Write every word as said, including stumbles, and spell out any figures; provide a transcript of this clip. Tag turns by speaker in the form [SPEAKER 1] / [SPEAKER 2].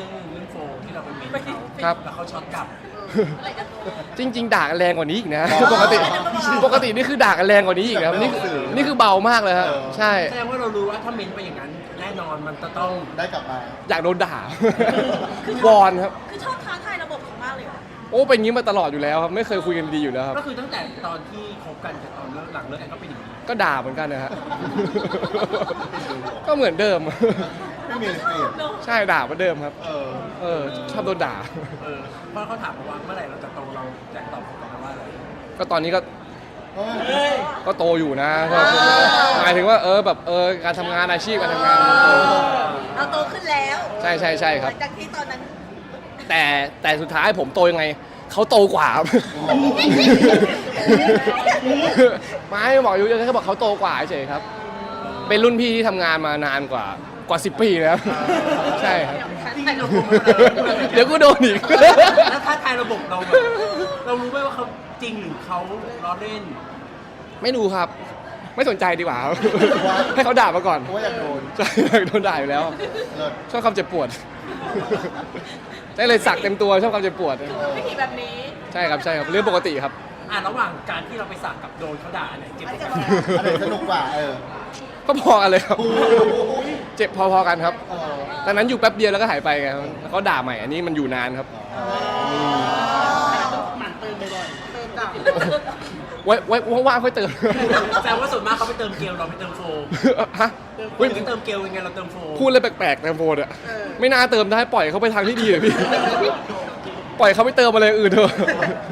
[SPEAKER 1] รื่องเรื่องโฟมที่เราไปเมนเขา
[SPEAKER 2] ครับ
[SPEAKER 1] แล้วเขาช็อตกลับ
[SPEAKER 2] จริง ๆด่ากันแรงกว่านี้อีกนะปกติปกตินี่คือด่ากันแรงกว่านี้อีกนะนี่คือนี่คือเบามากเลยครับใช่
[SPEAKER 1] แสดงว่าเรารู้ว่าถ้าเมนไปอย่างนั้นแน่นอนมันจะต้อง
[SPEAKER 3] ได้กลับมา
[SPEAKER 2] อยากโดนด่า วอนครับ
[SPEAKER 4] คือชอบท้าทายระบบของมากเลยเหรอ
[SPEAKER 2] โอ้เป็นอย่างนี้มาตลอดอยู่แล้วครับไม่เคยคุยกันดีอยู่แล้วครับ
[SPEAKER 1] ก็คือตั้งแต่ตอนที่คบกันกับตอนเลิกหลังเลิกกันก็เป็นอย่างนี้
[SPEAKER 2] ก็ด่าเหมือนกันนะฮะ ก็เหมือนเดิม
[SPEAKER 3] ไม่มีเปลี่ยน
[SPEAKER 2] ใช่ด่าเหมือนเดิมครับ
[SPEAKER 3] เออ
[SPEAKER 2] เออชอบโดนด่า
[SPEAKER 1] เออเพราะเขาถามมาว่าเมื่อไหร่เราจะโตเราอยากตอบกลับมาว่าอะไร
[SPEAKER 2] ก็ตอนนี้ก็
[SPEAKER 1] เฮ้ย
[SPEAKER 2] ก็โตอยู่นะก็หมายถึงว่าเออแบบเออการทำงานอาชีพการทำงาน
[SPEAKER 4] เราโตขึ้นแล้ว
[SPEAKER 2] ใช่ใช่ใช่ครับ
[SPEAKER 4] หลังจากที่ตอนนั้น
[SPEAKER 2] แต่แต่สุดท้ายผมโตยังไงเขาโตกว่าครับ ไม่บอกอยู่แค่บอกเขาโตกว่าเฉยครับ เป็นรุ่นพี่ที่ทำงานมานานกว่ากว่าสิบปีแล้ว ใช่ครับ
[SPEAKER 1] ที่เราโกงมาแล้ว
[SPEAKER 2] เดี๋ยวกูโดนอีก
[SPEAKER 1] แล้วถ้าทายระบบเราแบบเรารู้ไหมว่าเขาจริงหรือเขาล้อเล่น
[SPEAKER 2] ไม่ดูครับ ไม่สนใจดีกว่าครับ ให้เขาด่ามาก่อน
[SPEAKER 3] เพราะว่าอยากโดน
[SPEAKER 2] ใช่โดนด่าอยู่แล้ว
[SPEAKER 3] เลิศ
[SPEAKER 2] ชอบความเจ็บปวด ได้เลยสักเต็มตัวชอบความเจ็บปวด
[SPEAKER 4] วิธีแบบนี้
[SPEAKER 2] ใช่ครับใช่ครับเรื่องปกติครับ
[SPEAKER 1] อ่ะระหว่างการที่เราไปสักกับโดนเขาด่าอันไหนเจ็บกว่ากัน
[SPEAKER 3] อันไหนสนุกกว่าเออ
[SPEAKER 2] ก็พอกันเลยครับ เจ็บพอๆกันครับ
[SPEAKER 3] เออ
[SPEAKER 2] ตอนนั้นอยู่แป๊บเดียวแล้วก็หายไปไงครับแล้วก็ด่าใหม่อันนี้มันอยู่นานครับ
[SPEAKER 1] หมั่นเติมบ่อย
[SPEAKER 4] เติมกลับ
[SPEAKER 2] ไว้ไว้ว่างๆค่อยเติม
[SPEAKER 1] ๆแต่ว่าส่วนมากเขาไปเติมเกลเราไปเติมโฟม
[SPEAKER 2] ฮะ
[SPEAKER 1] เฮ้
[SPEAKER 2] เฮ้
[SPEAKER 1] ย
[SPEAKER 2] ย
[SPEAKER 1] ไปเติมเกลยังไงเราเติมโฟม
[SPEAKER 2] พูดเลยแปลกๆแตงโมอ่ะไม่น่าเติมได้ปล่อยเขาไปทางที่ดีเลยพี่ ปล่อยเขาไปเติมอะไรอื่นเถอะ